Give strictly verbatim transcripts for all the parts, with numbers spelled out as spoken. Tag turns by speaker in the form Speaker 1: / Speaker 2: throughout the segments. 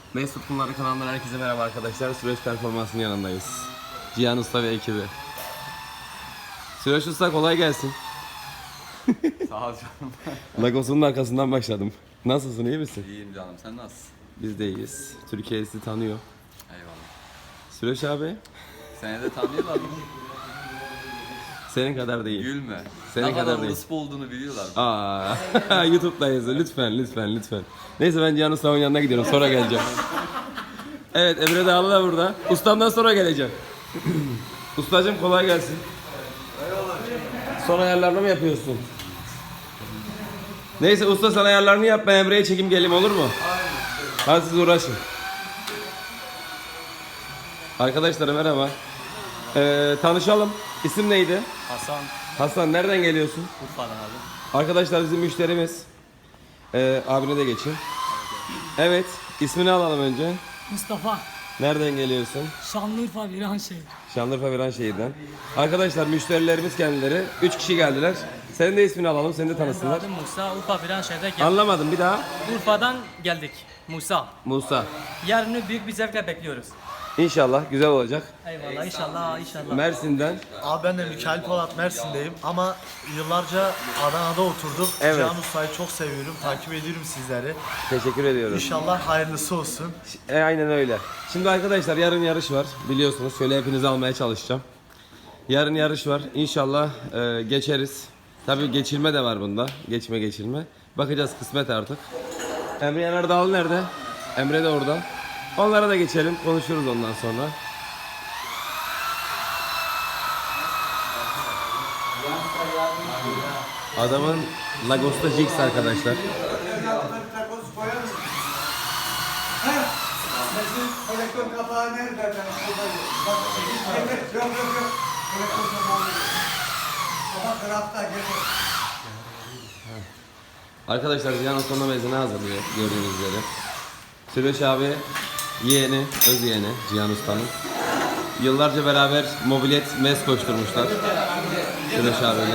Speaker 1: Mesut Bunları kanalından herkese merhaba arkadaşlar. Süreç Performans'ın yanındayız. Cihan Usta ve ekibi. Süreç Usta kolay gelsin.
Speaker 2: Sağ ol canım.
Speaker 1: Lagos'un arkasından başladım. Nasılsın, iyi misin?
Speaker 2: İyiyim canım, sen nasılsın?
Speaker 1: Biz de iyiyiz. Türkiye sizi tanıyor.
Speaker 2: Eyvallah.
Speaker 1: Süreç abi
Speaker 2: Seni de tanıyorlar mı?
Speaker 1: senin kadar değil.
Speaker 2: Gülme.
Speaker 1: Senin
Speaker 2: ne
Speaker 1: kadar
Speaker 2: kadar
Speaker 1: değil.
Speaker 2: orospu olduğunu biliyorlar.
Speaker 1: Aa, YouTube'dayız. Lütfen, lütfen, lütfen. Neyse ben Cihan Usta'nın yanına gidiyorum. Sonra geleceğim. Evet, Emre Dağlı da burada. Ustamdan sonra geleceğim. Ustacığım kolay gelsin. Son ayarlarını mı yapıyorsun? Neyse usta sen ayarlarını yap, ben Emre'ye çekim geleyim, olur mu? Hadi siz uğraşın. Arkadaşlar merhaba. Ee, tanışalım. İsim neydi?
Speaker 3: Hasan
Speaker 1: Hasan, nereden geliyorsun?
Speaker 3: Urfa'dan abi.
Speaker 1: Arkadaşlar bizim müşterimiz. Ee, abine de geçin. Evet, ismini alalım önce.
Speaker 4: Mustafa,
Speaker 1: Nereden geliyorsun?
Speaker 4: Şanlıurfa Viranşehir.
Speaker 1: Şanlıurfa Viranşehir'den. Arkadaşlar müşterilerimiz kendileri. Üç kişi geldiler. Senin de ismini alalım, seni de tanısınlar.
Speaker 4: Adım Musa, Urfa Viranşehir'de geldik.
Speaker 1: Anlamadım bir daha.
Speaker 4: Urfa'dan geldik. Musa.
Speaker 1: Musa.
Speaker 4: Yarını büyük bir zevkle bekliyoruz.
Speaker 1: İnşallah güzel olacak.
Speaker 4: Eyvallah, inşallah, inşallah.
Speaker 1: Mersin'den.
Speaker 5: Abi ben de Mikail Polat Mersin'deyim ama yıllarca Adana'da oturduk.
Speaker 1: Evet.
Speaker 5: Cihan Usta'yı çok seviyorum, takip ediyorum sizleri.
Speaker 1: Teşekkür ediyorum.
Speaker 5: İnşallah hayırlısı olsun.
Speaker 1: E, aynen öyle. Şimdi arkadaşlar yarın yarış var. Biliyorsunuz şöyle hepinizi almaya çalışacağım. Yarın yarış var. İnşallah e, geçeriz. Tabii geçilme de var bunda. Geçme geçilme. Bakacağız kısmet artık. Emre Yener Dağlı nerede? Emre de orada. Onlara da geçelim. Konuşuruz ondan sonra. Adamın Lagos'ta Jigs arkadaşlar.
Speaker 6: Kolektör kapağı nerede? Ben Bak, evet, yok yok yok. Kolektör kapağı nerede? Ama krafta gelir.
Speaker 1: Arkadaşlar Cihan Usta'nın mezunu hazırlıyor gördüğünüz üzere. Süreç abi yeğeni, öz yeğeni Cihan Usta'nın. Yıllarca beraber mobilet mez koşturmuşlar. Süreç abiyle.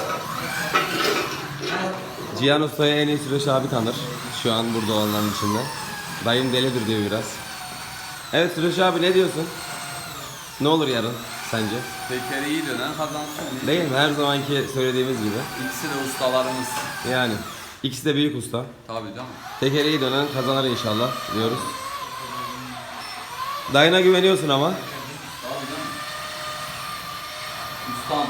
Speaker 1: Cihan Usta'yı en iyi Süreç abi tanır. Şu an burada olanların içinde. Dayım delidir diyor biraz. Evet Süreç abi ne diyorsun? Ne olur yarın sence?
Speaker 2: Tekeri iyi dönen kazansın.
Speaker 1: Değil mi? Her zamanki söylediğimiz gibi.
Speaker 2: İkisi de ustalarımız.
Speaker 1: Yani ikisi de büyük usta.
Speaker 2: Tabii canım.
Speaker 1: Tekeri dönen kazanır inşallah diyoruz. Dayına güveniyorsun ama.
Speaker 2: Tabii canım. Ustam.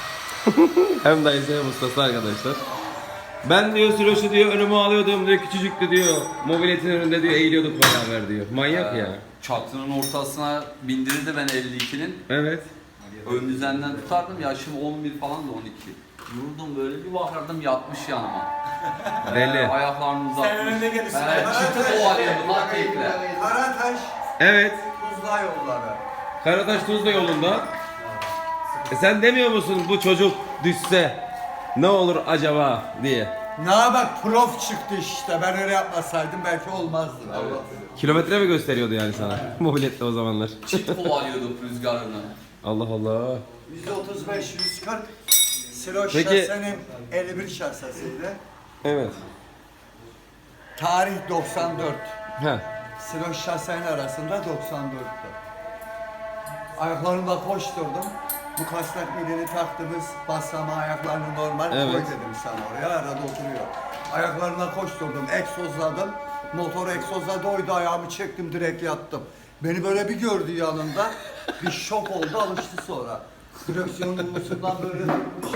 Speaker 1: Hem dayısı hem ustası arkadaşlar. Ben diyor Süreç'i diyor önüme alıyordum diyor, küçücüktü diyor. Mobiletin önünde diyor eğiliyorduk beraber diyor. Manyak ya.
Speaker 2: Çatının ortasına bindirirdi ben elli ikinin.
Speaker 1: Evet.
Speaker 2: Ön düzenden tutardım. Yaşım on bir falan da on iki. Vurdum böyle bir bakardım yatmış yanıma.
Speaker 1: Deli.
Speaker 2: Ee, ayaklarını uzatmış.
Speaker 6: Sen önünde gelirsin.
Speaker 2: Evet, çıtı kovalıyordu lan tekle.
Speaker 6: Karataş,
Speaker 1: Evet.
Speaker 6: Tuzla yolları.
Speaker 1: Karataş Tuzla yolunda. E sen demiyor musun bu çocuk düşse ne olur acaba diye.
Speaker 6: Ne bak prof çıktı işte. Ben öyle yapmasaydım belki olmazdı. Allah.
Speaker 1: Kilometre mi gösteriyordu yani sana? Mobilette o zamanlar.
Speaker 2: Çift kovalıyordu rüzgarını.
Speaker 1: Allah Allah.
Speaker 6: yüz otuz beş yüz kırk. Siloş
Speaker 1: Peki-
Speaker 6: şahsenin elli bir şahsasıydı.
Speaker 1: Evet.
Speaker 6: Tarih doksan dört.
Speaker 1: Heh.
Speaker 6: Siloş şahsenin arasında doksan dörttü. Ayaklarımla koşturdum. Bu kasnak milini taktınız, basama ayaklarını normal
Speaker 1: Evet.
Speaker 6: koy dedim sana oraya, arada oturuyor. Ayaklarımla koşturdum, egzozladım. Motor egzozladı, oydu ayağımı çektim, direkt yattım. Beni böyle bir gördü yanında, bir şok oldu, alıştı sonra. Direksiyonun umusundan böyle tutmuş.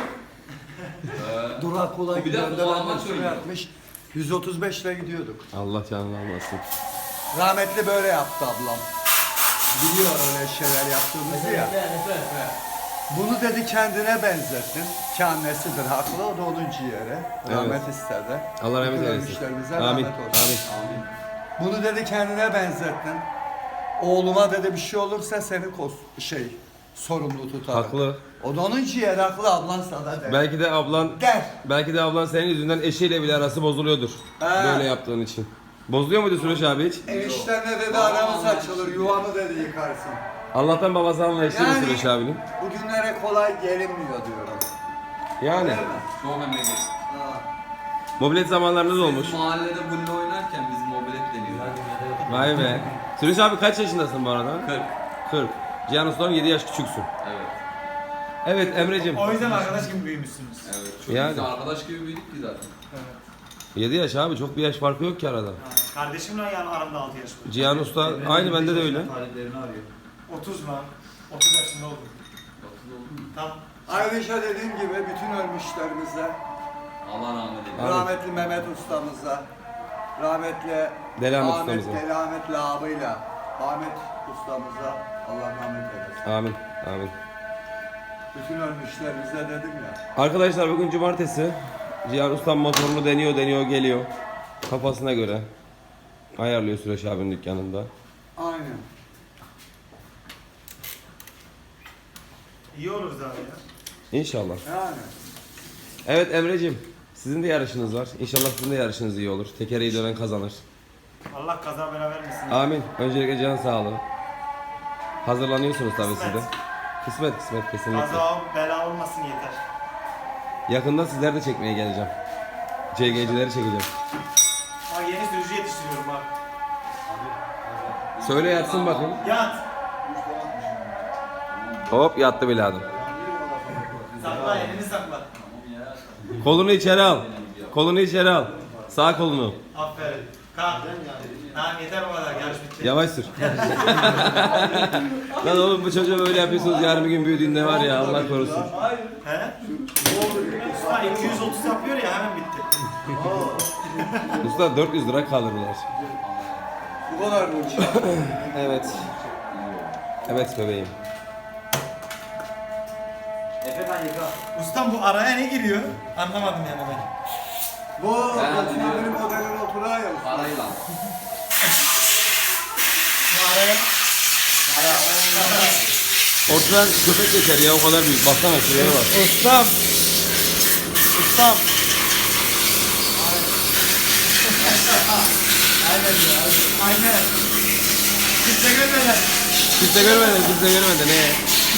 Speaker 6: Durak kolay
Speaker 2: Bir de
Speaker 6: gidiyor,
Speaker 2: kulağıma
Speaker 6: ben üstüne
Speaker 2: söylüyor.
Speaker 6: yatmış. yüz otuz beş ile gidiyorduk.
Speaker 1: Allah canını almasın.
Speaker 6: Rahmetli böyle yaptı ablam. Biliyor öyle şeyler yaptığımızı ya. Bunu dedi kendine benzettin. Ki annesidir haklı, o da onun ciğeri. Rahmet istedi.
Speaker 1: Allah rahmet
Speaker 6: Bütün
Speaker 1: eylesin.
Speaker 6: ölmüşlerimize
Speaker 1: Amin.
Speaker 6: rahmet olsun.
Speaker 1: Amin.
Speaker 6: Bunu dedi kendine benzettin. Oğluma dedi bir şey olursa seni kos şey sorumlu tutar.
Speaker 1: Haklı.
Speaker 6: O da onun ciğeri haklı, ablan sana der.
Speaker 1: Belki de ablan
Speaker 6: Der.
Speaker 1: belki de ablan senin yüzünden eşiyle bile arası bozuluyordur.
Speaker 6: Ha.
Speaker 1: Böyle yaptığın için. Bozuluyor muydu Süreç abi hiç?
Speaker 6: Eniştenle dedi aramız açılır, yuvamı dedi yıkarsın.
Speaker 1: Allah'tan babası anlayışlı yani, Süreç abinin.
Speaker 6: Bugünlere kolay gelinmiyor diyorum.
Speaker 1: Yani
Speaker 6: Değil mi?
Speaker 2: Çok memleket.
Speaker 6: Ha.
Speaker 1: mobilet zamanlarınız olmuş.
Speaker 2: Mahallede bulle oynarken biz mobilet deniyoruz.
Speaker 1: Vay be. Sürüş abi kaç yaşındasın bu arada?
Speaker 2: kırk.
Speaker 1: kırk. Cihan Usta'dan yedi yaş küçüksün.
Speaker 2: Evet.
Speaker 1: Evet Emre'cim.
Speaker 5: O yüzden arkadaş gibi büyümüşsünüz.
Speaker 2: Evet. Çok
Speaker 1: Yani.
Speaker 2: biz arkadaş gibi büyüdük ki zaten.
Speaker 1: yedi yaş abi, çok bir yaş farkı yok ki arada.
Speaker 5: Kardeşimle yani aramda altı yaş var.
Speaker 1: Cihan Usta aynı, bende de öyle.
Speaker 3: Taliplerini arıyor.
Speaker 5: otuz lan. otuz yaşında oldum. Tam.
Speaker 6: Ayrıca dediğim gibi bütün ölmüşlerimize,
Speaker 2: Allah rahmet eylesin.
Speaker 1: Abi.
Speaker 6: rahmetli Mehmet ustamıza, rahmetli
Speaker 1: Delamet
Speaker 6: Ahmet
Speaker 1: ustamıza.
Speaker 6: Delametli abıyla Ahmet ustamıza Allah rahmet eylesin.
Speaker 1: Amin. Amin.
Speaker 6: Bütün ölmüşlerimize dedim ya.
Speaker 1: Arkadaşlar bugün cumartesi. Cihan Usta motorunu deniyor deniyor geliyor. Kafasına göre. Ayarlıyor Süreç abinin dükkanında.
Speaker 6: Aynen.
Speaker 5: İyi oluruz abi ya.
Speaker 1: İnşallah.
Speaker 6: Yani.
Speaker 1: Evet Emre'cim, sizin de yarışınız var. İnşallah sizin de yarışınız iyi olur. Tekereyi dönen kazanır.
Speaker 5: Allah kaza bela vermesin.
Speaker 1: Amin. Öncelikle can sağlığı. Hazırlanıyorsunuz tabii siz de.
Speaker 5: Kısmet.
Speaker 1: Kısmet kısmet kesinlikle.
Speaker 5: Kaza bela olmasın yeter.
Speaker 1: Yakında sizler de çekmeye geleceğim. C G'cileri çekeceğim.
Speaker 5: Bak yeni sürücü yetiştiriyorum bak.
Speaker 1: Söyle yatsın bakayım.
Speaker 5: Yat.
Speaker 1: Hop yattı bile adam.
Speaker 5: Sakla elini sakla.
Speaker 1: Kolunu içeri al. Kolunu içeri al. Sağ kolunu.
Speaker 5: Aferin. Kalk. Tamam yeter o kadar. Yarış bitti.
Speaker 1: Yavaş sür. Lan oğlum bu çocuğa böyle yapıyorsunuz, yarın bir gün büyüdüğünde var ya, Allah korusun.
Speaker 5: He? Usta iki yüz otuz yapıyor ya hemen bitti.
Speaker 1: Usta dört yüz lira kalırlar.
Speaker 6: Bu kadar bu iş.
Speaker 1: Evet. Evet bebeğim.
Speaker 5: Ustam bu araya ne giriyor? Anlamadım yani ben.
Speaker 6: Bu otomobilin modelin oturağı ya.
Speaker 2: Parayla.
Speaker 5: Bu araya
Speaker 1: Ortadan köpek geçer ya, o kadar büyük. Baksana şuraya bak.
Speaker 5: Ustam. Ustam. Aynen ya. Aynen. Kimse görmeden.
Speaker 1: Kimse görmedi, kimse görmedi. Ne?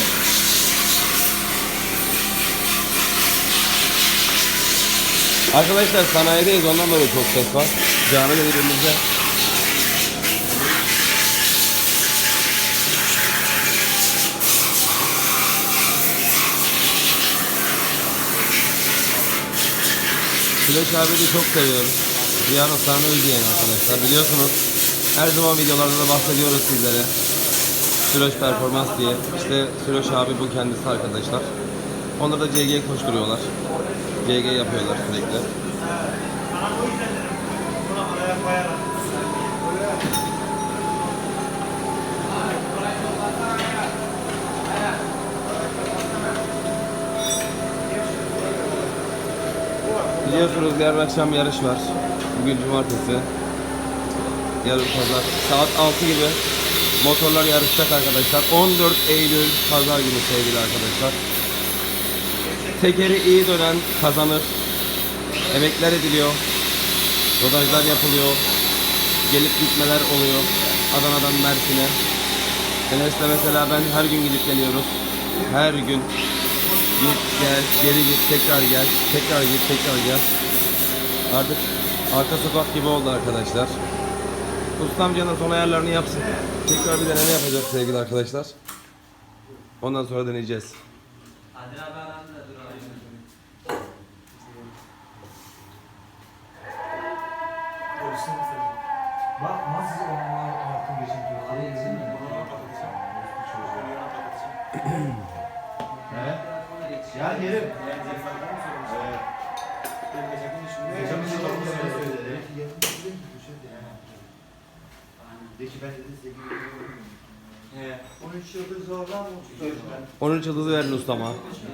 Speaker 1: Arkadaşlar sanayideyiz, ondan dolayı çok ses var. Cami dediğimizde. Süreç abi de çok seviyoruz. Cihan Usta'nın özleyen arkadaşlar. Biliyorsunuz her zaman videolarda da bahsediyoruz sizlere. Süreç performans diye. İşte Süreç abi bu kendisi arkadaşlar. Onlar da C G koşturuyorlar. C G yapıyorlar sürekli.
Speaker 5: Bana o yüzden dedim. Buna araya koyarak.
Speaker 1: Biliyorsunuz yarın akşam yarış var. Bugün cumartesi. Yarın pazar. Saat altı gibi motorlar yarışacak arkadaşlar. on dört Eylül pazar günü sevgili arkadaşlar. Tekeri iyi dönen kazanır. Emekler ediliyor. Rodajlar yapılıyor. Gelip gitmeler oluyor. Adana'dan Mersin'e. Enes'le mesela ben her gün gidip geliyoruz. Her gün. Git gel, geri git, tekrar gel, tekrar git, tekrar gel. Artık arka sokak gibi oldu arkadaşlar. Ustam Can'ın son ayarlarını yapsın. Tekrar bir deneme yapacak sevgili arkadaşlar. Ondan sonra deneyeceğiz.
Speaker 5: Görsün seni.
Speaker 3: Bak nasıl onlar artık geçin. Araya izin mi? Evet. Ya yerim. Geçen bir şey söyledi. De ki ben dedi size gibi.
Speaker 6: on üç yıldız zorlan mı?
Speaker 1: on üç yıldızı verin ustama.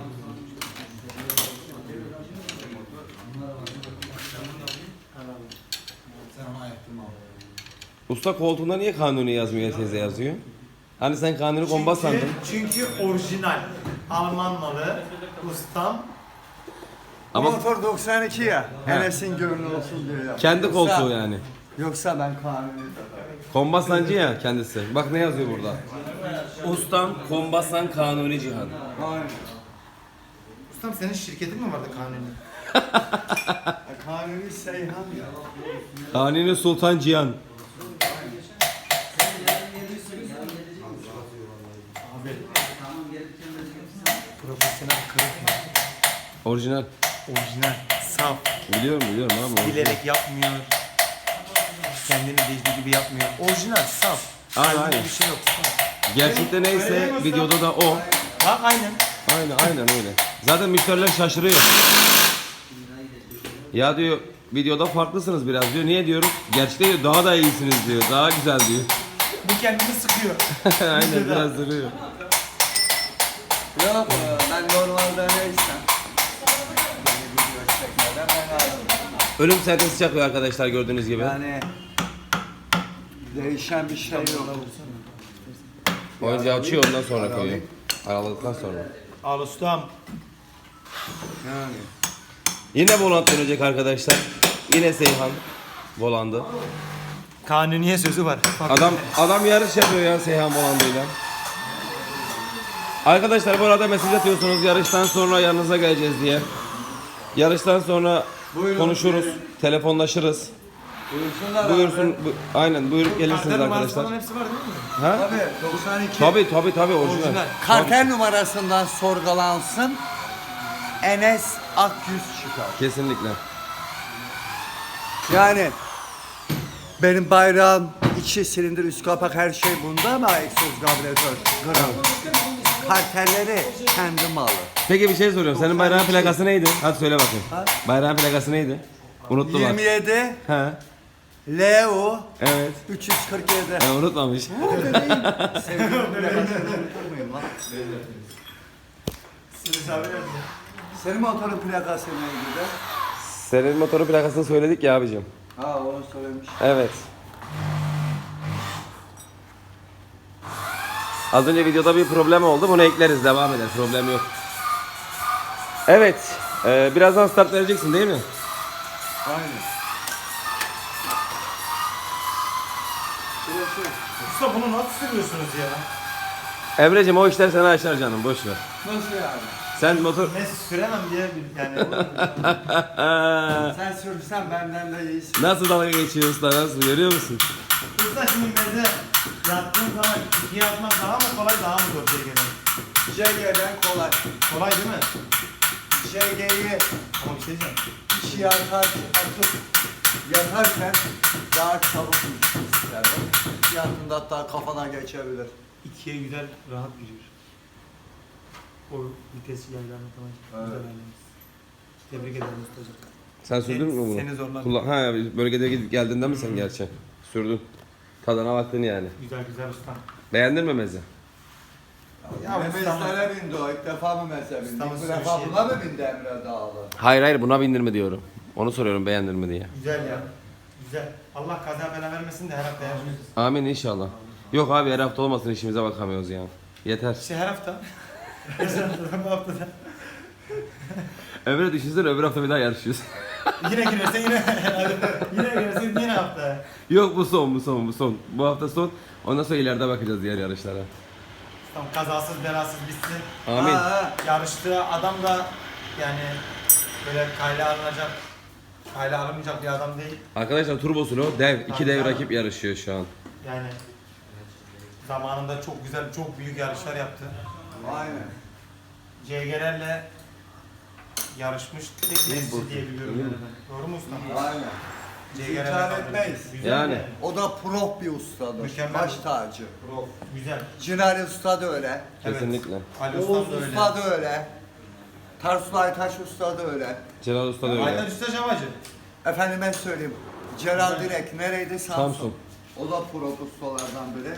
Speaker 3: Sen ona ayıktın mı?
Speaker 1: Usta koltuğunda niye Kanuni yazmıyor, teyze yazıyor? Hani sen Kanuni komba sandın.
Speaker 5: Çünkü, çünkü orijinal. Alman malı. Ustam.
Speaker 1: Ama
Speaker 6: Motor doksan iki ya. Enes'in gönlü olsun diye ya.
Speaker 1: kendi
Speaker 6: Yoksa-
Speaker 1: koltuğu yani.
Speaker 6: Yoksa ben kanuni.
Speaker 1: Kombasancı ya kendisi. Bak ne yazıyor burada. Ustam Kombasan Kanuni Cihan.
Speaker 6: Aynen.
Speaker 5: Ustam senin şirketin mi vardı kanuni?
Speaker 6: Kanuni Seyhan ya.
Speaker 1: Kanuni Sultan Cihan.
Speaker 5: Profesyonel kırık mı?
Speaker 1: Orijinal.
Speaker 5: Orijinal, saf,
Speaker 1: Biliyorum biliyorum abi. orijinal.
Speaker 5: bilerek yapmıyor. Kendini bildiği gibi yapmıyor. Orijinal, saf.
Speaker 1: Aynen,
Speaker 5: Kalbinde
Speaker 1: aynen.
Speaker 5: bir şey yok. Saf.
Speaker 1: Gerçekte neyse videoda da o.
Speaker 5: Bak aynen.
Speaker 1: Aynen aynen öyle. Zaten müşteriler şaşırıyor. Ya diyor videoda farklısınız biraz diyor. Niye diyorum? Gerçekte diyor daha da iyisiniz diyor. Daha güzel diyor.
Speaker 5: Bu kendini sıkıyor.
Speaker 1: Aynen biraz duruyor.
Speaker 6: Yok e, ben normalde neysem. Beni video çekmeden ben aldım.
Speaker 1: Ölüm sertesi çakıyor arkadaşlar gördüğünüz gibi.
Speaker 6: Yani değişen bir şey yok.
Speaker 1: Oyuncağı açıyor ondan sonra koyuyor. Araladıktan sonra.
Speaker 5: Al ustam.
Speaker 6: Yani.
Speaker 1: Yine volant dönecek arkadaşlar. Yine Seyhan volandı.
Speaker 5: Kanuniye sözü var.
Speaker 1: Adam adam yarış yapıyor ya Seyhan volandıyla. Arkadaşlar bu arada mesaj atıyorsunuz yarıştan sonra yanınıza geleceğiz diye. Yarıştan sonra
Speaker 6: Buyurun,
Speaker 1: konuşuruz,
Speaker 6: buyurun.
Speaker 1: telefonlaşırız.
Speaker 6: Buyursunlar
Speaker 1: Buyursun,
Speaker 6: abi.
Speaker 1: bu- aynen buyurup gelirsiniz arkadaşlar.
Speaker 5: hepsi var değil mi?
Speaker 1: Ha?
Speaker 6: Tabii doksan iki.
Speaker 1: Tabii tabii tabii orijinal.
Speaker 5: Orijinal.
Speaker 6: Kartel numarasından sorgulansın. Enes Akyüz çıkar.
Speaker 1: Kesinlikle.
Speaker 6: Yani benim bayrağım içi silindir üst kapak her şey bunda ama egzoz karbüratör gram. Kartelleri kendi malı.
Speaker 1: Peki bir şey soruyorum. Senin bayrağın plakası neydi? Hadi söyle bakayım.
Speaker 6: Ha?
Speaker 1: Bayrağın plakası neydi? Unuttu bak.
Speaker 6: yirmi yedi
Speaker 1: He.
Speaker 6: L U
Speaker 1: Evet.
Speaker 6: üç yüz kırk yedi.
Speaker 1: He, unutmamış.
Speaker 6: Sevgilim plakasını unutur muyum lan? Senin motorun plakası neydi de?
Speaker 1: Senin motorun plakasını söyledik ya abicim.
Speaker 6: Ha onu söylemiş.
Speaker 1: Evet. Az önce videoda bir problem oldu. Bunu ekleriz. Devam eder. Problem yok. Evet. Ee, birazdan start vereceksin değil mi?
Speaker 6: Aynen. Burası
Speaker 5: Usta bunu nasıl sürüyorsunuz ya?
Speaker 1: Emre'cim o işler sana açar canım. Boş ver.
Speaker 6: nasıl yani?
Speaker 1: Sen motor...
Speaker 5: Ne süremem diye bir yani.
Speaker 6: Sen sürsen benden de iyisin.
Speaker 1: Nasıl dalga geçiyor usta? Nasıl? Görüyor musun?
Speaker 5: Usta şimdi meze yattığın zaman ikiye atmak daha mı kolay daha mı zor C G'den?
Speaker 6: J G'den kolay.
Speaker 5: Kolay değil mi?
Speaker 6: J G'yi
Speaker 5: Ama bir şey diyeceğim.
Speaker 6: işi yakar, atıp yakarken daha çabuk ister. Yaktığında hatta kafana geçebilir.
Speaker 5: İkiye güzel rahat giriyor. O vitesi yaylarını falan.
Speaker 6: Evet.
Speaker 5: Güzel ayarlamış. Tebrik ederim ustacığım.
Speaker 1: Sen sürdün mü bunu?
Speaker 5: Seni zorladım.
Speaker 1: Kullan- ha, bölgede gidip geldiğinde mi sen gerçi? Sürdün. Tadına baktın yani.
Speaker 5: Güzel güzel ustam.
Speaker 1: Beğendin mi meze?
Speaker 5: Ya
Speaker 6: Memezlere bindi o. İlk defa mı meze bindi?
Speaker 5: Ustamın
Speaker 6: Bu defa
Speaker 5: sürüşü.
Speaker 6: buna mı bindi Emre Dağlı?
Speaker 1: Hayır hayır buna bindir mi diyorum. Onu soruyorum beğendin mi diye.
Speaker 5: Güzel ya. Güzel. Allah kaza bela vermesin de her hafta yapıyoruz.
Speaker 1: Amin inşallah. Yok abi her hafta olmasın işimize bakamıyoruz ya. Yeter.
Speaker 5: İşte her hafta. Her hafta bu haftada.
Speaker 1: Emre düşünsene öbür hafta bir daha yarışıyoruz.
Speaker 5: Yine girersen yine. Yine girersen yine hafta.
Speaker 1: Yok bu son bu son bu son. Bu hafta son. Ondan sonra ileride bakacağız diğer yarışlara.
Speaker 5: Tam kazasız belasız bitsin.
Speaker 1: Amin.
Speaker 6: Ha, ha.
Speaker 5: Yarıştığı adam da yani böyle kayla alınacak, kayla alınmayacak bir adam değil.
Speaker 1: Arkadaşlar turbosunu dev. iki
Speaker 5: Tabii,
Speaker 1: dev
Speaker 5: tabii.
Speaker 1: rakip yarışıyor şu an.
Speaker 5: Yani zamanında çok güzel, çok büyük yarışlar yaptı.
Speaker 6: Aynen.
Speaker 5: C G'lerle yarışmış tek birisi diye biliyorum yani ben. Doğru mu ustam?
Speaker 6: Aynen.
Speaker 5: C
Speaker 6: Biz
Speaker 5: G'lerle
Speaker 6: inkar
Speaker 5: kaldırdı.
Speaker 6: etmeyiz.
Speaker 5: Güzel
Speaker 1: Yani.
Speaker 5: mi?
Speaker 6: O da prof bir ustadır.
Speaker 5: Mükemmel.
Speaker 6: Baş tacı.
Speaker 5: Prof. Güzel.
Speaker 6: Cinali Usta da öyle.
Speaker 5: Evet.
Speaker 1: Kesinlikle.
Speaker 5: Ali
Speaker 6: Oğuz
Speaker 5: ustam da öyle.
Speaker 6: Usta da öyle. Tarsus Aytaş Usta da öyle.
Speaker 1: Celal Usta da öyle.
Speaker 5: Aynen Usta Cavacı.
Speaker 6: Efendime söyleyeyim. Celal Direk nereydi? Samsun.
Speaker 1: Samsun.
Speaker 6: O da prof ustalardan biri.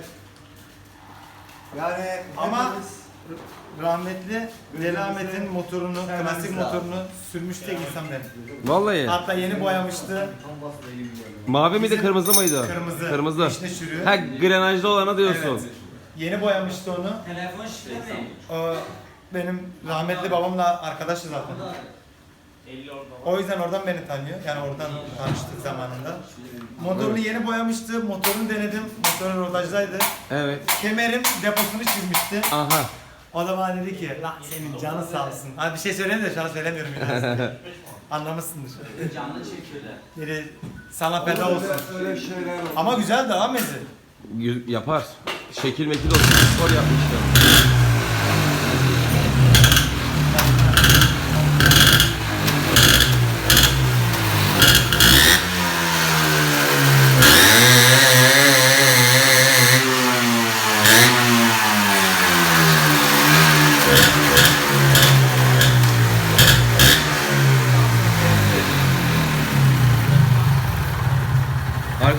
Speaker 6: Yani
Speaker 5: Ama
Speaker 6: hepimiz-
Speaker 5: rahmetli Delamet'in motorunu,
Speaker 6: Hemen
Speaker 5: klasik
Speaker 6: sağ.
Speaker 5: motorunu sürmüş tek insan benim.
Speaker 1: Vallahi.
Speaker 5: Hatta yeni boyamıştı.
Speaker 1: Mavi miydi kırmızı mıydı?
Speaker 5: Kırmızı.
Speaker 1: Kırmızı.
Speaker 5: İçine sürüyor.
Speaker 1: Ha grenajlı olanı diyorsun.
Speaker 5: Evet. Yeni boyamıştı onu.
Speaker 4: Telefon şifre ne?
Speaker 5: O benim rahmetli babamla arkadaştı zaten. O yüzden oradan beni tanıyor. Yani oradan tanıştık zamanında. Motorunu yeni boyamıştı. Motorunu denedim. Motorun rodajdaydı.
Speaker 1: Evet.
Speaker 5: Kemerim deposunu çizmişti.
Speaker 1: Aha.
Speaker 5: O da bana dedi ki, lan senin canı sağ olsun. Abi bir şey söyleyeyim de şu an söylemiyorum yani. Anlamışsındır.
Speaker 2: Canlı çekiyorlar.
Speaker 5: Dedi, sana feda olsun.
Speaker 6: Öyle şeyler oldu.
Speaker 5: Ama güzel de ha mezi.
Speaker 1: Y- yapar. Şekil mekil olsun. Spor yapmışlar.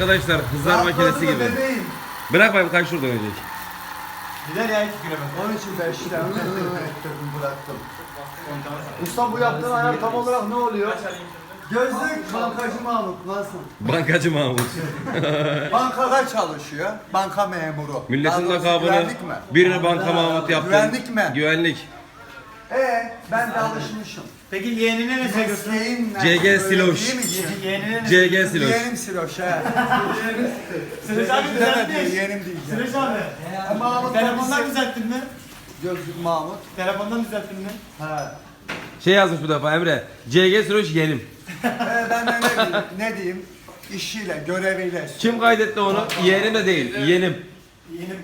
Speaker 1: arkadaşlar hızlar makinesi
Speaker 6: Rahatladı
Speaker 1: gibi.
Speaker 6: bebeğim.
Speaker 1: Bırak bakayım kaç şurada ölecek.
Speaker 5: Gider ya iki kilometre.
Speaker 6: Onun için beş tane ettirdim bıraktım. Usta bu yaptığın ayar tam olarak ne oluyor? Gözlük bankacı Mahmut nasıl?
Speaker 1: Bankacı Mahmut.
Speaker 6: Bankada çalışıyor. Banka memuru.
Speaker 1: Milletin
Speaker 6: Daha doğrusu
Speaker 1: lakabını
Speaker 6: güvenlik mi?
Speaker 1: birini banka Mahmut yaptı.
Speaker 6: Güvenlik mi?
Speaker 1: Güvenlik.
Speaker 6: Ee, ben de alışmışım.
Speaker 5: Peki yeğenine ne söylüyorsun?
Speaker 6: Mesleğin ne?
Speaker 1: C G
Speaker 6: Öyle
Speaker 1: Siloş.
Speaker 6: değil mi ki?
Speaker 5: Yeğenine ne
Speaker 1: C G Siloş.
Speaker 6: Yeğenim Siloş he.
Speaker 5: Sıraç abi
Speaker 6: Demedi,
Speaker 5: düzeltmiş.
Speaker 6: yeğenim diyeceğim.
Speaker 5: Sıraç abi.
Speaker 6: Mahmut
Speaker 5: Telefondan
Speaker 6: polisi-
Speaker 5: düzelttin mi?
Speaker 6: Gözlük Mahmut.
Speaker 5: Telefondan düzelttin mi?
Speaker 6: He.
Speaker 1: Şey yazmış bu defa Emre. C G Süreç yenim.
Speaker 6: Ee, ben de ne diyeyim? Ne diyeyim? İşiyle, göreviyle.
Speaker 1: Kim kaydetti onu? Yeğenim de değil. Yeğenim.
Speaker 5: Yeğenim.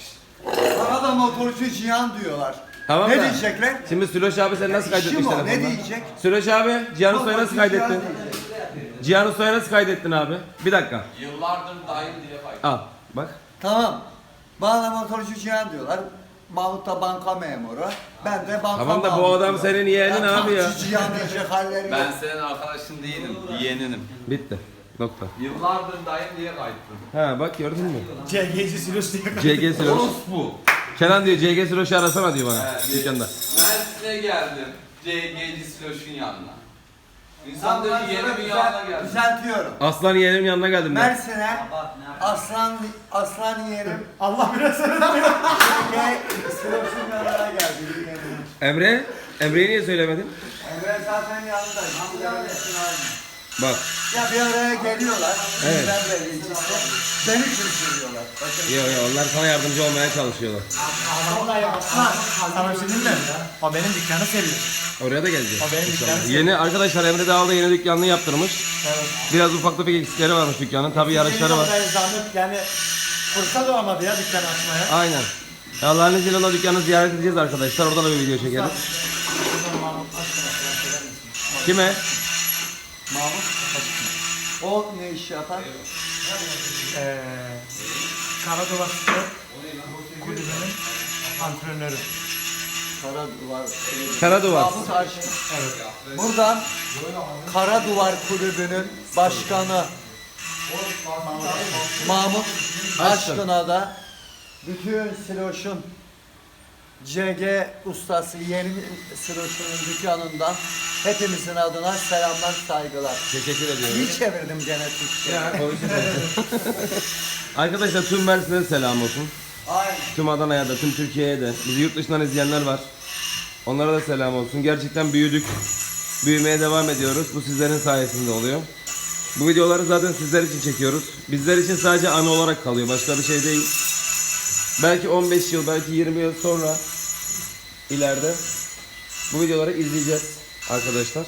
Speaker 6: Bana da motorcu Cihan diyorlar.
Speaker 1: Tamam
Speaker 6: ne
Speaker 1: da.
Speaker 6: diyecekler?
Speaker 1: Şimdi Süreç abi sen nasıl kaydetmiş
Speaker 6: İşim o,
Speaker 1: telefonda?
Speaker 6: ne diyecek?
Speaker 1: Süreç abi Cihan Usta'yı nasıl
Speaker 6: Motorcu Cihan
Speaker 1: kaydettin?
Speaker 6: diyecek.
Speaker 1: Cihan Usta'yı nasıl kaydettin abi? Bir dakika.
Speaker 2: Yıllardır dayım diye kayıt.
Speaker 1: Al. Bak.
Speaker 6: Tamam. Bana da motorcu Cihan diyorlar. Mahmut da banka memuru. Ben de banka
Speaker 1: Tamam da bu
Speaker 6: Mahmut
Speaker 1: adam
Speaker 6: diyorlar.
Speaker 1: senin yeğenin
Speaker 6: Ya
Speaker 1: abi ya.
Speaker 6: taksici Cihan diyecek halleri
Speaker 2: Ben
Speaker 6: yok.
Speaker 2: senin arkadaşın değilim, yeğeninim.
Speaker 1: Bitti. Nokta.
Speaker 2: Yıllardır dayım diye kayıttım.
Speaker 1: Ha bak gördün mü?
Speaker 5: C G'ci Siloş diye.
Speaker 1: C G Süreç.
Speaker 2: Orospu.
Speaker 1: Kenan diyor C G Süreç'i arasana diyor bana
Speaker 2: Evet,
Speaker 1: dükkanda.
Speaker 2: Mersin'e geldim. C G'ci Siloş'un yanına. İnsan
Speaker 6: Tamam,
Speaker 2: diyor
Speaker 6: ben
Speaker 2: ki
Speaker 6: sana
Speaker 2: yeni bir
Speaker 6: düzel-
Speaker 2: yanına geldim.
Speaker 6: Düzeltiyorum.
Speaker 1: Aslan yeğenimin yanına geldim ben.
Speaker 6: Mersin'e aslan aslan yeğenim
Speaker 5: Allah biraz sana
Speaker 6: ve Siloş'un yanına geldi. yeğenim.
Speaker 1: Emre? Emre'yi niye söylemedin?
Speaker 6: Emre zaten yanındayım. Bu yanındasın aynı.
Speaker 1: Bak.
Speaker 6: Ya bir araya geliyorlar.
Speaker 1: Evet.
Speaker 6: Ben belediyecisi. Beni kırıştırıyorlar. Bakın.
Speaker 1: Yok yok onlar sana yardımcı olmaya çalışıyorlar.
Speaker 5: Vallahi yapma. Sana bir şey diyeyim mi? O benim dükkanı seviyor.
Speaker 1: Oraya da geleceğiz.
Speaker 5: O benim
Speaker 1: inşallah.
Speaker 5: dükkanım.
Speaker 1: Yeni arkadaşlar Emre Dağlı yeni dükkanını yaptırmış.
Speaker 5: Evet.
Speaker 1: Biraz ufak tefek eksikleri varmış dükkanın. Tabii yarışları var.
Speaker 5: Yeni zahmet yani fırsat olamadı ya dükkanı açmaya.
Speaker 1: Aynen. Allah'ın izniyle o dükkanı ziyaret edeceğiz arkadaşlar. Oradan da bir video çekeriz. Kime?
Speaker 6: Mahmut. O ne iş yapar?
Speaker 5: Eee Karadova Spor Kulübü'nün antrenörü.
Speaker 6: Kara Duvar.
Speaker 1: Kara Duvar.
Speaker 6: Mahmut Aşkın. Buradan Kara Duvar Kulübü'nün başkanı Mahmut Aşkın'a da bütün Siloş'un C G ustası yeni Siloş'un dükkanından hepimizin adına selamlar, saygılar.
Speaker 1: Teşekkür ediyorum.
Speaker 6: İyi çevirdim gene Türkçe.
Speaker 1: Arkadaşlar tüm Mersin'e selam olsun.
Speaker 6: Aynen.
Speaker 1: Tüm Adana'ya da, tüm Türkiye'ye de. Bizi yurt dışından izleyenler var. Onlara da selam olsun. Gerçekten büyüdük. Büyümeye devam ediyoruz. Bu sizlerin sayesinde oluyor. Bu videoları zaten sizler için çekiyoruz. Bizler için sadece anı olarak kalıyor. Başka bir şey değil. Belki on beş yıl, belki yirmi yıl sonra ileride bu videoları izleyeceğiz arkadaşlar.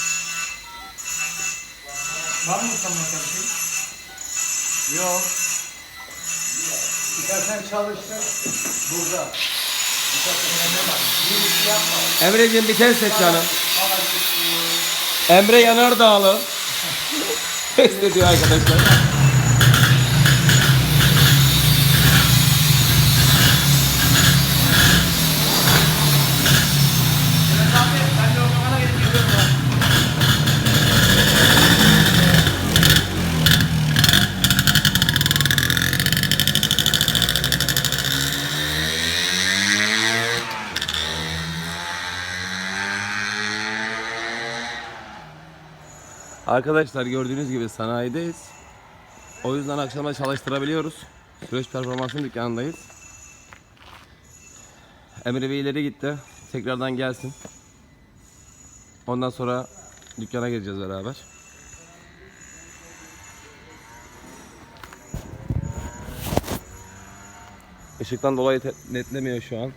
Speaker 5: Var mı sana bir şey?
Speaker 6: Yok. İstersen çalıştır. Burada.
Speaker 1: Emre'ciğim bir test et canım. Emre Yanardağlı. Test ediyor arkadaşlar. Arkadaşlar gördüğünüz gibi sanayideyiz. O yüzden akşama çalıştırabiliyoruz. Süreç performansın dükkanındayız. Emre Bey ileri gitti. Tekrardan gelsin. Ondan sonra dükkana gireceğiz beraber. Işıktan dolayı te- netlemiyor şu an.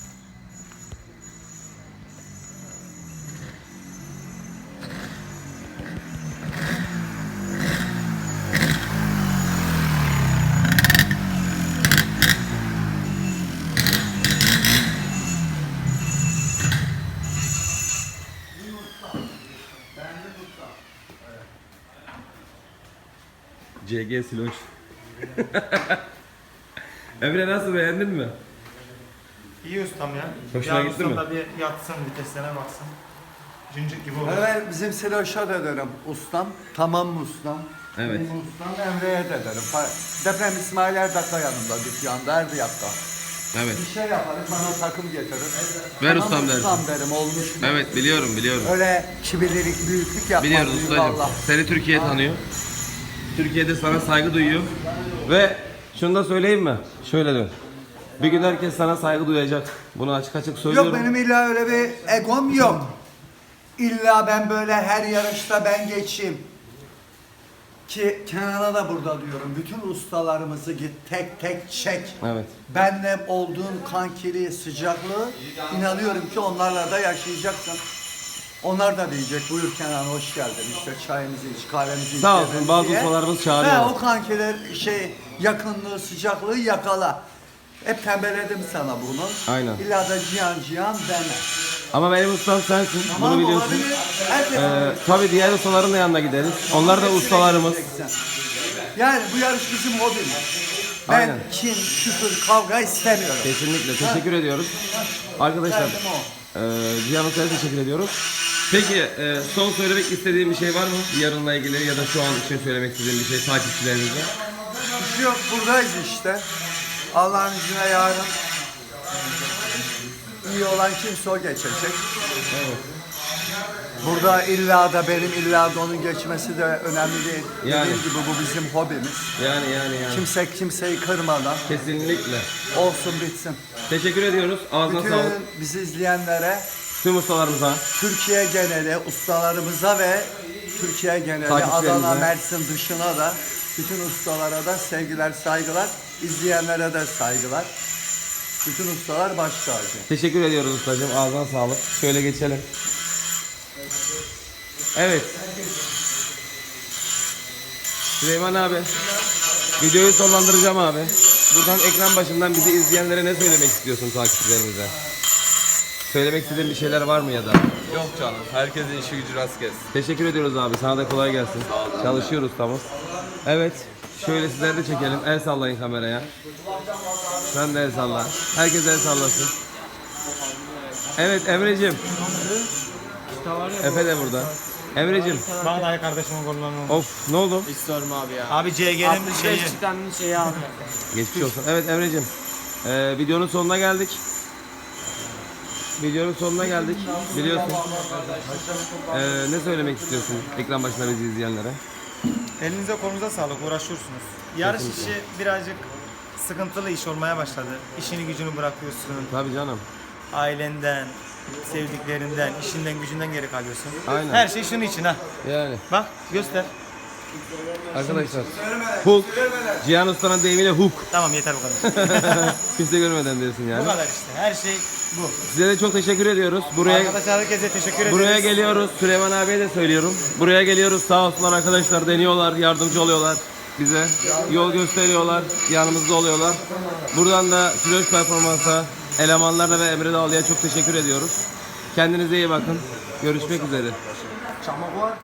Speaker 1: C G Siloş. Emre nasıl, beğendin mi?
Speaker 5: İyi ustam ya.
Speaker 1: Hoşuna
Speaker 5: Yarın
Speaker 1: gitti
Speaker 5: ustam
Speaker 1: mi?
Speaker 5: da bir yatsın viteslerine baksın. Cincik gibi olur.
Speaker 6: Evet, bizim Siloş'a da derim ustam. Tamam mı ustam?
Speaker 1: Evet.
Speaker 6: Benim ustam Emre'ye de derim. Fa- Deprem İsmail Erdak'a yanında dükkanda, her yakta.
Speaker 1: Evet.
Speaker 6: Bir şey yaparız, bana takım getirir.
Speaker 1: Ver
Speaker 6: Tamam
Speaker 1: ustam dersin.
Speaker 6: ustam derim, olmuş mu?
Speaker 1: Evet biliyorum biliyorum.
Speaker 6: Öyle kibirlilik, büyüklük yapmaz.
Speaker 1: Biliyoruz
Speaker 6: büyük
Speaker 1: ustacığım.
Speaker 6: Allah.
Speaker 1: Seni Türkiye tanıyor. Türkiye'de sana saygı duyuyor. Ve şunu da söyleyeyim mi? Şöyle dön. Bir gün herkes sana saygı duyacak. Bunu açık açık söylüyorum.
Speaker 6: Yok benim illa öyle bir egom yok. İlla ben böyle her yarışta ben geçeyim. Ki Kenan'a da burada diyorum. Bütün ustalarımızı git tek tek çek.
Speaker 1: Evet.
Speaker 6: Benle olduğun kankiliği, sıcaklığı inanıyorum ki onlarla da yaşayacaksın. Onlar da diyecek buyur Kenan hoş geldin işte çayımızı iç kahvemizi iç.
Speaker 1: Sağ olsun,
Speaker 6: yemeğimizi
Speaker 1: bazı
Speaker 6: ye.
Speaker 1: ustalarımız çağırıyor.
Speaker 6: He, o kankiler şey yakınlığı sıcaklığı yakala. Hep tembelledim sana bunu.
Speaker 1: Aynen.
Speaker 6: İlla da cihan cihan deme.
Speaker 1: Ama benim ustam sensin.
Speaker 6: Tamam
Speaker 1: Bunu
Speaker 6: mı?
Speaker 1: biliyorsun.
Speaker 6: Olabilir. Herkes
Speaker 1: Ee, tabii diğer ustaların da yanına gideriz. Onlar da ustalarımız.
Speaker 6: Yani bu yarış bizim hobimiz. Ben
Speaker 1: Aynen.
Speaker 6: kin, küfür, kavga istemiyorum.
Speaker 1: Kesinlikle. Teşekkür ediyoruz. Arkadaşlar,
Speaker 6: Derdim o.
Speaker 1: e, Cihan Usta'ya teşekkür ediyoruz. Peki e, son söylemek istediğin bir şey var mı? Yarınla ilgili ya da şu an için söylemek istediğin bir şey takipçilerimize.
Speaker 6: Bir şey yok buradayız işte. Allah'ın izniyle yarın iyi olan kimse o geçecek.
Speaker 1: Evet.
Speaker 6: Burada illa da benim illa da onun geçmesi de önemli değil.
Speaker 1: Yani.
Speaker 6: Dediğim gibi bu bizim hobimiz.
Speaker 1: Yani yani yani.
Speaker 6: Kimse kimseyi kırmadan
Speaker 1: Kesinlikle.
Speaker 6: olsun bitsin.
Speaker 1: Teşekkür ediyoruz. Ağzına
Speaker 6: Bütün
Speaker 1: sağlık.
Speaker 6: bizi izleyenlere,
Speaker 1: Tüm ustalarımıza.
Speaker 6: Türkiye geneli ustalarımıza ve Türkiye geneli
Speaker 1: Takipçilerimize.
Speaker 6: Adana, Mersin dışına da bütün ustalara da sevgiler, saygılar. İzleyenlere de saygılar. Bütün ustalar baş tacı.
Speaker 1: Teşekkür ediyoruz ustacığım. Ağzına sağlık. Şöyle geçelim. Evet. Süleyman abi. Videoyu sonlandıracağım abi. Buradan ekran başından bizi izleyenlere ne söylemek istiyorsun takipçilerimize? Söylemek istediğin bir şeyler var mı ya da?
Speaker 2: Yok canım. Herkesin işi gücü rast gelsin.
Speaker 1: Teşekkür ediyoruz abi. Sana da kolay gelsin. Çalışıyoruz ustamız. Evet. Şöyle sizler de çekelim. El sallayın kameraya. Sen de el salla. Herkes el sallasın. Evet Emre'cim. Efe de burada. Emre'cim.
Speaker 5: Bana da kardeşimin kollarını.
Speaker 1: Of ne oldu?
Speaker 4: Hiç sorma abi ya.
Speaker 5: Abi C G'nin şeyi.
Speaker 4: çıkanın şeyi abi.
Speaker 1: Geçmiş olsun. Evet Emre'cim. Ee, videonun sonuna geldik. Videonun sonuna geldik. Biliyorsun. Ee, ne söylemek istiyorsun ekran başında bizi izleyenlere?
Speaker 5: Elinize kolunuza sağlık, uğraşıyorsunuz. Yarış işi birazcık sıkıntılı iş olmaya başladı. İşini gücünü bırakıyorsun.
Speaker 1: Tabii canım.
Speaker 5: Ailenden, sevdiklerinden, işinden gücünden geri kalıyorsun.
Speaker 1: Aynen.
Speaker 5: Her şey şunun için ha.
Speaker 1: Yani.
Speaker 5: Bak göster.
Speaker 1: Arkadaşlar. Hook. Cihan Usta'nın deyimiyle hook.
Speaker 5: Tamam yeter bu kadar.
Speaker 1: Kimse görmeden diyorsun
Speaker 5: Bu
Speaker 1: yani.
Speaker 5: kadar işte. Her şey bu.
Speaker 1: Size de çok teşekkür ediyoruz. Buraya
Speaker 5: Arkadaşlar herkese teşekkür ederiz.
Speaker 1: buraya geliyoruz. Süleyman abiye de söylüyorum. Buraya geliyoruz. Sağ olsunlar arkadaşlar. Deniyorlar, yardımcı oluyorlar bize. Yol gösteriyorlar, yanımızda oluyorlar. Buradan da Flöş Performans'a, elemanlarına ve Emre Dağlı'ya çok teşekkür ediyoruz. Kendinize iyi bakın. Görüşmek üzere.